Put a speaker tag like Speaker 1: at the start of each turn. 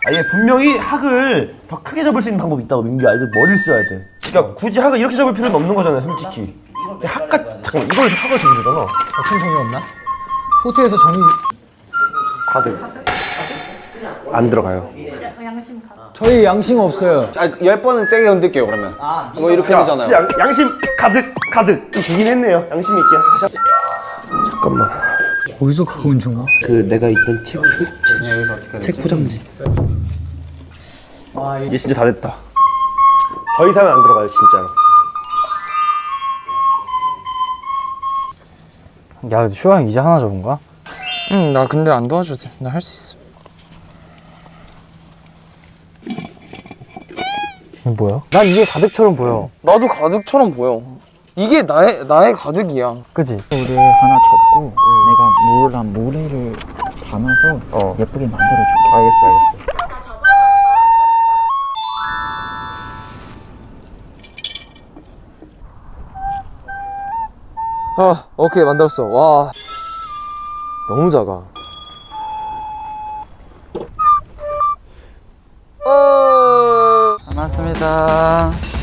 Speaker 1: 얘 분명히 학을 더 크게 접을 수 있는 방법이 있다고, 민규야. 이거 머리를 써야 돼. 그러니까 굳이 학을 이렇게 접을 필요는 없는 거잖아, 솔직히. 잠깐만, 이걸 학을 접으잖아
Speaker 2: 어떤 정이 없나? 호텔에서 정이
Speaker 1: 가득 안 들어가요.
Speaker 3: 양심 가득.
Speaker 2: 저희 양심 없어요.
Speaker 4: 10번은 세게 흔들게요 그러면. 뭐 이렇게
Speaker 1: 야,
Speaker 4: 되잖아요.
Speaker 1: 진짜 양심 가득 좀 되긴 했네요. 양심 있게. 잠깐만.
Speaker 2: 어디서 그거 온 정아?
Speaker 1: 그 내가 있던 책 포장지. 이제 진짜 다 됐다. 더 이상은 안 들어가요, 진짜로.
Speaker 5: 야, 슈아 형 이제 하나 접은 거야?
Speaker 6: 응, 나 근데 안 도와줘도 돼. 나 할 수 있어.
Speaker 5: 이게 뭐야? 난 이게 가득처럼 보여.
Speaker 6: 나도 가득처럼 보여. 이게 나의 가득이야.
Speaker 5: 그지?
Speaker 7: 물을 하나 접고 내가 모래를 담아서 예쁘게 만들어줄게.
Speaker 6: 알겠어. 아, 오케이 만들었어. 와, 너무 작아.
Speaker 7: 고맙습니다.